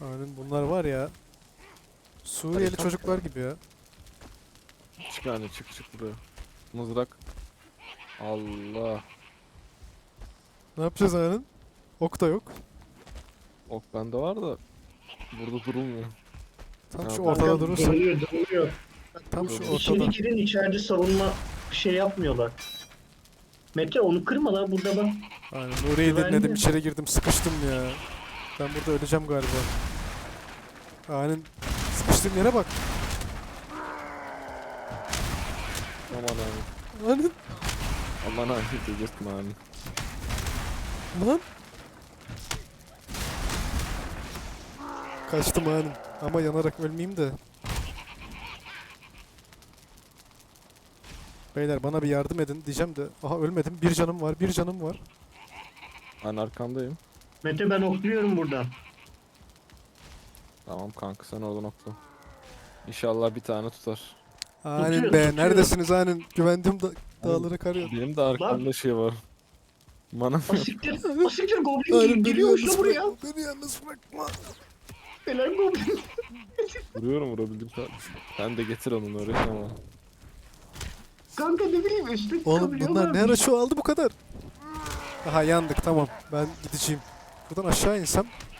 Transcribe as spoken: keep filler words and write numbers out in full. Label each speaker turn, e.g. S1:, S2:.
S1: Aynen bunlar var ya. Suriyeli
S2: Harika.
S1: çocuklar gibi ya.
S2: Çık yani çık çık buraya. Mızrak. Allah.
S1: Ne yapacağız Aynen? Ok da yok.
S2: Ok bende var da burada durulmuyor.
S1: Tam
S2: Ne
S1: şu
S2: yapalım?
S1: ortada
S3: Kanka
S1: durursak.
S3: dönüyor dönüyor.
S1: Tam şu
S2: Dur.
S3: İçeri
S1: ortada.
S3: girin, içeride savunma şey yapmıyorlar. Mete onu kırma lan, burada bak.
S1: Aynen Nuriye'yi
S3: Güvenli.
S1: dinledim, içeri girdim, sıkıştım ya. Ben burada öleceğim galiba. Aynen sıkıştığım yere bak.
S2: Aman abi.
S1: Aynen
S2: Aman abi delirtme abi.
S1: lan. Kaçtım aynen. Ama yanarak ölmeyeyim de. Beyler bana bir yardım edin diyeceğim de. Aha ölmedim. Bir canım var, bir canım var.
S2: Ben arkandayım.
S3: Mete ben okluyorum buradan.
S2: Tamam kanka sen oradan okla. İnşallah bir tane tutar.
S1: Aynen
S3: Tutuyor,
S1: be.
S3: tutuyor.
S1: Neredesiniz aynen? Güvendiğim da dağlara kar yağdı.
S2: Benim de arkamda şey var. Bana
S3: Asiktir, asiktir goblin
S1: Aynen
S3: gel-
S1: beni
S3: geliyormuş
S1: yalnız
S3: da buraya.
S1: bırakma. Beni yalnız bırakma.
S3: Helal goblin.
S2: vuruyorum vurabildim sen. Sen de getir onu oraya ama.
S3: Kanka ne bileyim üstte
S1: Oğlum bunlar ne ara şu aldı bu kadar? Aha yandık tamam. Ben gideceğim. Buradan aşağı insem